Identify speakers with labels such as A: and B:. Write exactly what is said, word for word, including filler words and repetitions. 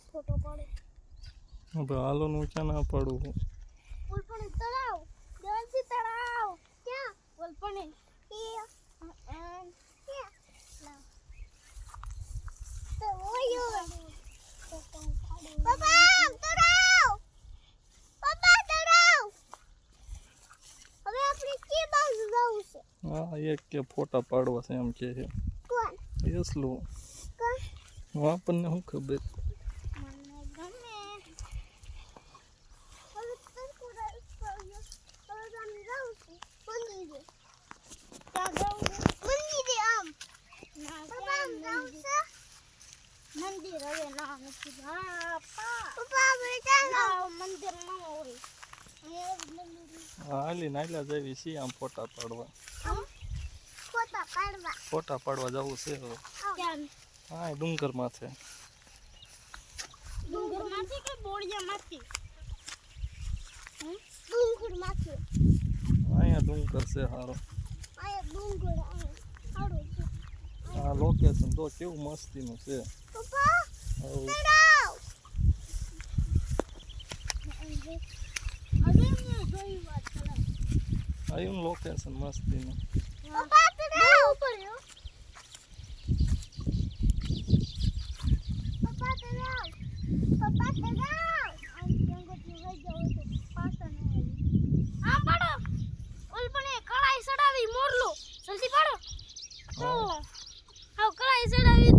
A: photo पाड़ो
B: अब हालो नु क्या ना पड़ू
A: वलपने तलाव जल्दी तलाव क्या वलपने ये एंड क्या ला तो वो यो पापा तलाव पापा तलाव હવે આપણે કે બાજુ જવું છે
B: હા એક કે ફોટા પાડવા છે એમ કે છે
A: કોણ
B: એસલો
A: કોણ
B: આપણને શું ખબર
A: મને ગમે હવે તર કોડા હવે અમે જવું છે મંદિરે ક્યાં જવું છે મંદિરે આમ ના પપ્પા આમ જવું છે મંદિર હવે ના નથી પપ્પા પપ્પા આપણે ક્યાં મંદિર ન હોય
B: હાલી નાયલા જેવી છે આમ ફોટા પાડવા
A: ફોટા પાડવા
B: ફોટા પાડવા જવું છે હવે
A: ક્યાં
B: હા ડુંગર માથે
A: ડુંગર માંથી કે બોળિયા માંથી ડુંગર માંથી
B: અહીંયા ડુંગર છે હારો
A: આયા ડુંગર આ હારું છે
B: આ લોકેશન તો કેવું મસ્તીનું છે
A: પપ્પા
B: હવ
A: તરાવ અરે મેં જોઈ વાત ચલા
B: આયું લોકેશન મસ્તીનું
A: પપ્પા તરાવ ઉપર યો પપ્પા તરાવ પપ્પા તરાવ આમ જંગલ થી વઈ જાવ તો પાછા ન આવી આ પાડો ઓલપણે કળાઈ સડાવી મોરલો જલ્દી પાડો તો હાવ કળાઈ સડાવી